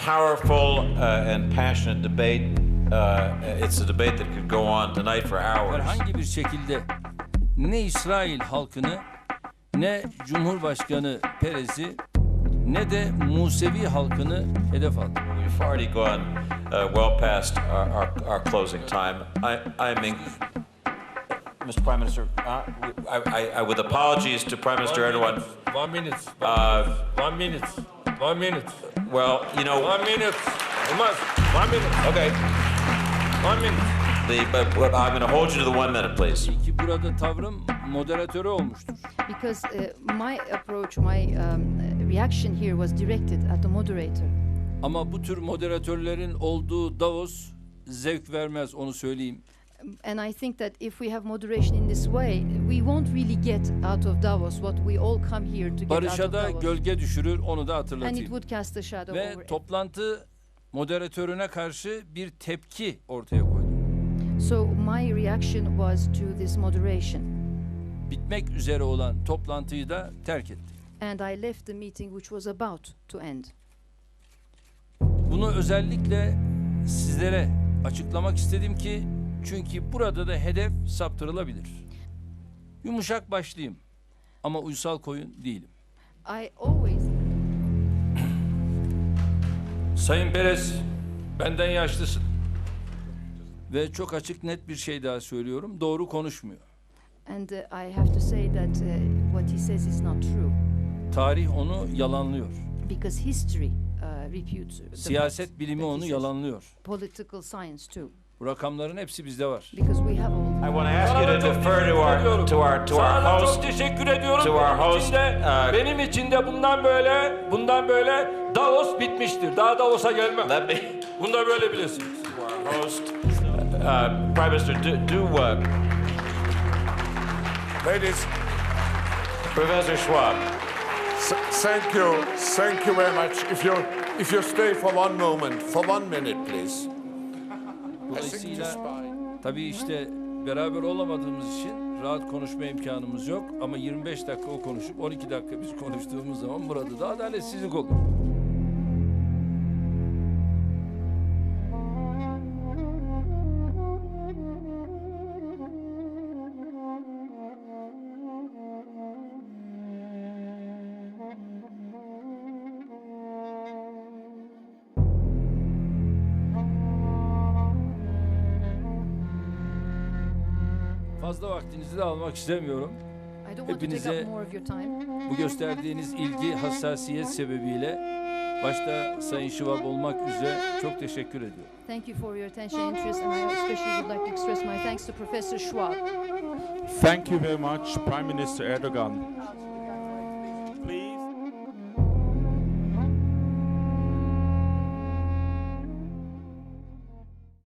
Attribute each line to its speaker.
Speaker 1: powerful and passionate debate. It's a debate that could go on tonight for hours.
Speaker 2: Herhangi bir şekilde ne İsrail halkını, ne Cumhurbaşkanı Perez'i, ne de Musevi halkını hedef aldı.
Speaker 1: We've already gone well past our closing time. Mr. Prime Minister, with apologies to Prime Minister Erdogan.
Speaker 3: 1 minute. 1 minute. 1 minute.
Speaker 1: Well, you know.
Speaker 3: 1 minute. Olmaz. 1 minute.
Speaker 1: Okay.
Speaker 3: 1 minute.
Speaker 1: But I'm going to hold you to the 1 minute, please.
Speaker 2: Ki burada tavrım moderatörü olmuştur.
Speaker 4: Because my approach, my reaction here was directed at the moderator.
Speaker 2: Ama bu tür moderatörlerin olduğu Davos zevk vermez, onu söyleyeyim.
Speaker 4: And I think that if we have moderation in this way, we won't really get out of Davos what we all come here to get out
Speaker 2: Barış'a
Speaker 4: of
Speaker 2: da
Speaker 4: Davos.
Speaker 2: gölge düşürür, onu da
Speaker 4: And it
Speaker 2: hatırlatayım.
Speaker 4: would cast a shadow over
Speaker 2: Ve
Speaker 4: it.
Speaker 2: toplantı moderatörüne karşı bir tepki ortaya koydum.
Speaker 4: So my reaction was to this moderation.
Speaker 2: Bitmek üzere olan toplantıyı da terk ettim.
Speaker 4: And I left the meeting which was about to end.
Speaker 2: Bunu özellikle sizlere açıklamak istedim ki çünkü burada da hedef saptırılabilir. Yumuşak başlıyım ama uysal koyun değilim.
Speaker 4: I always...
Speaker 2: Sayın Perez, benden yaşlısın. Ve çok açık net bir şey daha söylüyorum, doğru konuşmuyor.
Speaker 4: And I have to say that what he says is not true.
Speaker 2: Tarih onu yalanlıyor.
Speaker 4: Because history refutes the
Speaker 2: Siyaset
Speaker 4: facts
Speaker 2: bilimi
Speaker 4: that he
Speaker 2: onu
Speaker 4: says.
Speaker 2: yalanlıyor.
Speaker 4: Political science too.
Speaker 2: Bu rakamların hepsi bizde var.
Speaker 4: Because we have all...
Speaker 1: I want to ask you to defer to our host.
Speaker 3: Çok teşekkür ediyorum.
Speaker 1: To our host,
Speaker 3: Benim için de bundan böyle Davos bitmiştir. Daha Davos'a gelmem.
Speaker 1: Let me.
Speaker 3: Bunu da böyle bilesiniz.
Speaker 1: Our host, Prime Minister,
Speaker 5: Ladies,
Speaker 1: Professor Schwab.
Speaker 5: thank you very much. If you stay for one minute, please. I think it is
Speaker 2: Dolayısıyla
Speaker 5: fine.
Speaker 2: tabii işte beraber olamadığımız için rahat konuşma imkanımız yok. Ama 25 dakika o konuşup 12 dakika biz konuştuğumuz zaman burada da adaletsizlik olur. Fazla vaktinizi de almak istemiyorum.
Speaker 4: I don't want to take
Speaker 2: Hepinize
Speaker 4: up more of your time.
Speaker 2: bu gösterdiğiniz ilgi, hassasiyet sebebiyle başta Sayın Schwab olmak üzere çok teşekkür ediyorum.
Speaker 4: Thank you for your attention and interest, and I especially would like to express my thanks to Professor Schwab.
Speaker 6: Thank you very much, Prime Minister Erdogan.